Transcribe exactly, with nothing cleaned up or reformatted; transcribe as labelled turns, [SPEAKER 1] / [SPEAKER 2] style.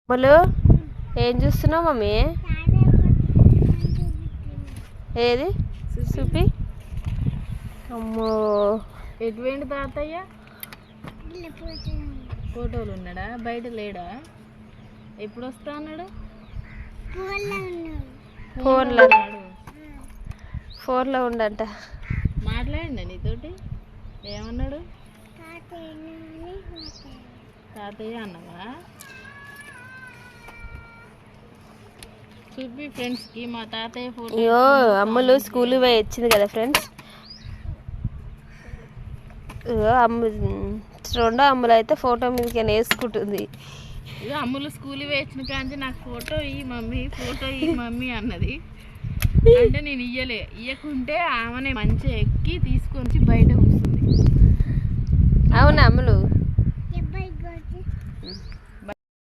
[SPEAKER 1] అమ్ములు ఏం చూస్తున్నావు మమ్మీ? ఏది చూపి. అమ్మో
[SPEAKER 2] ఎటువంటి తాతయ్య ఫోటోలు ఉన్నాడా? బయట లేడా? ఎప్పుడు వస్తా అన్నాడు?
[SPEAKER 1] ఫోన్లో ఫోన్లో ఉండంట.
[SPEAKER 2] మాట్లాడండి నీతోటి. ఏమన్నాడు? తాతయ్య అన్నావా? చూపి ఫ్రెండ్స్కి మా తాతయ్య ఫోటో.
[SPEAKER 1] అయ్యో అమ్ములు స్కూల్కి పోయి వచ్చింది కదా ఫ్రెండ్స్. ఇగో అమ్ము రెండో అమ్ములు అయితే ఫోటో మీదకి వేసుకుంటుంది.
[SPEAKER 2] ఇక అమ్ములు స్కూల్కి వేసిన కానీ నాకు ఫోటో ఈ మమ్మీ ఫోటో ఈ మమ్మీ అన్నది. అంటే నేను ఇయ్యలే. ఇయ్యకుంటే ఆమెనే మంచిగా ఎక్కి తీసుకొని బయట కూర్చుంది.
[SPEAKER 1] అవునా అమ్ములు?